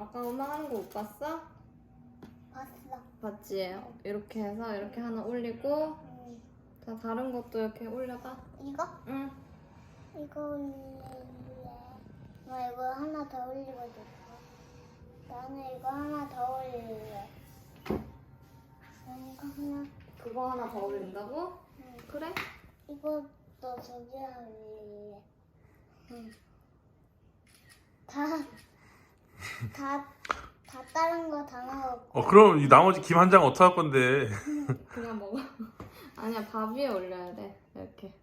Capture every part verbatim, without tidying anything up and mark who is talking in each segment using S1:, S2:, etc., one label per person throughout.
S1: 아까 엄마 하는 거 못 봤어?
S2: 봤어.
S1: 봤지? 이렇게 해서 이렇게 하나 올리고
S2: 응.
S1: 자 다른 것도 이렇게 올려봐.
S2: 이거?
S1: 응.
S2: 이거 올릴래. 나 이거 하나 더 올리고 싶어. 나는 이거 하나 더 올릴래. 난 이거 하나.
S1: 그거 하나 더 올린다고?
S2: 응.
S1: 그래?
S2: 이것도 저기 올릴래. 응. 다, 다, 다 다른 거 다 넣어.
S3: 어 그럼 이 나머지 김 한 장 어떡할 건데?
S1: 그냥 먹어. 아니야 밥 위에 올려야 돼. 이렇게.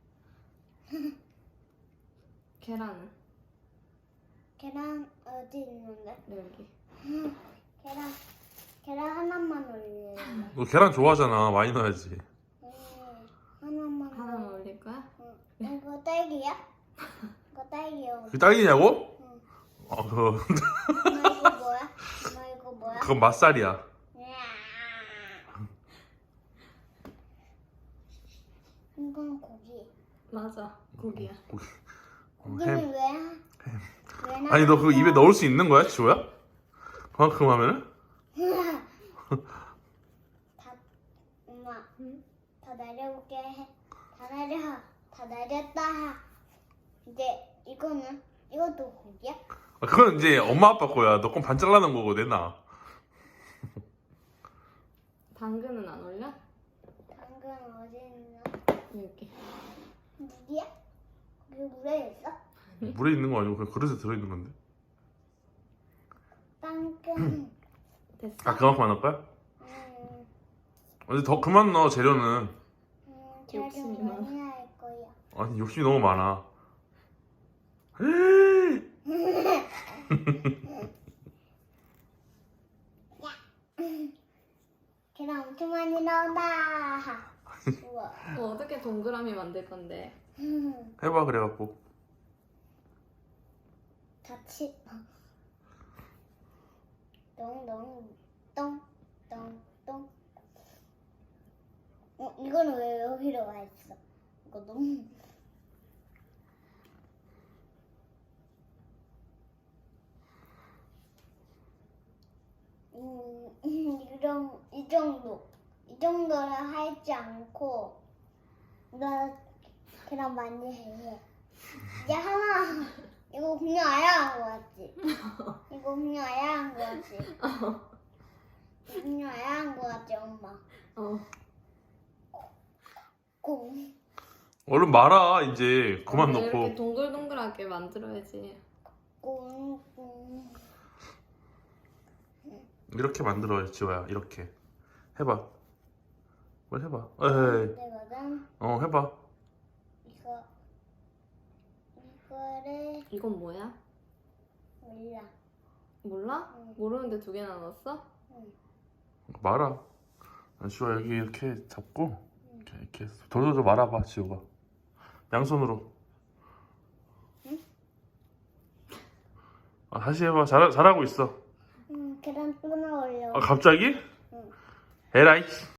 S1: 계란은
S2: 계란 어디 있는데?
S1: 여기.
S2: 계란, 계란 하나만 올릴래.
S3: 너 계란 좋아하잖아. 많이 넣어야지.
S2: 응, 하나만.
S1: 하나만
S2: 올릴래.
S1: 올릴 거야?
S2: 응. 이거 딸기야? 이거 딸기야.
S3: 그게 딸기냐고?
S2: 응.
S3: 어 그거
S2: 엄마 이거 뭐야? 엄마 이거 뭐야?
S3: 그건 맛살이야.
S2: 으아. 이건 고기.
S1: 맞아. 고기야.
S3: 고기. 어,
S2: 고기는
S3: 햄.
S2: 왜? 왜
S3: 아니 너 그거
S2: 나왔어?
S3: 입에 넣을 수 있는 거야, 지호야? 그만큼 하면은?
S2: 다, 엄마,
S1: 응?
S2: 다 내려올게. 다 내려. 다 내렸다. 이제 이거는? 이것도 고기야?
S3: 아, 그건 이제 엄마 아빠 거야. 너 건 반 잘라놓은 거고 내놔.
S1: 당근은 안 올려?
S2: 당근 어디 있나?
S1: 여기.
S2: 물이야? 그게 물에 있어?
S3: 물에 있는 거 아니고 그냥 그릇에 들어있는 건데.
S2: 당근.
S1: 됐어?
S3: 아 그만큼만 넣을 거야?
S2: 음,
S3: 근데 더 그만 넣어 재료는.
S2: 음,
S1: 욕심이
S2: 잘
S1: 많아.
S2: 많이 할 거야.
S3: 아니 욕심이 너무 많아.
S2: 계란 엄청 많이 나온다. 우와.
S1: 어, 어떻게 동그라미 만들 건데?
S3: 해봐 그래갖고.
S2: 같이 똥똥 똥똥똥. 어 이거는 왜 여기로 와 있어? 이거 너무. 음, 이런 이 정도 이 정도는 하지 않고 나 계란 많이 해. 이제 하나 이거 그냥 아야 한 거 같지? 이거 그냥 아야 한 거 같지? 그냥 아야 한 거 같지 엄마?
S1: 어.
S2: 꽁
S3: 얼른 말아 이제 그만
S1: 이렇게
S3: 넣고.
S1: 동글동글하게 만들어야지.
S2: 꽁꽁.
S3: 이렇게 만들어 지호야. 이렇게 해봐. 뭘 해봐. 에이.
S2: 되거든.
S3: 어 해봐.
S2: 이거 이거를
S1: 이건 뭐야?
S2: 몰라.
S1: 몰라?
S2: 응.
S1: 모르는데 두 개나 넣었어?
S3: 말아. 지호야 여기 이렇게 잡고 이렇게 이렇게 돌돌돌 말아봐 지호가. 양손으로.
S2: 응?
S3: 아, 다시 해봐. 잘 잘하고 있어.
S2: 응, 계란 또 넣으려고.
S3: 아 갑자기?
S2: 응.
S3: 에라이.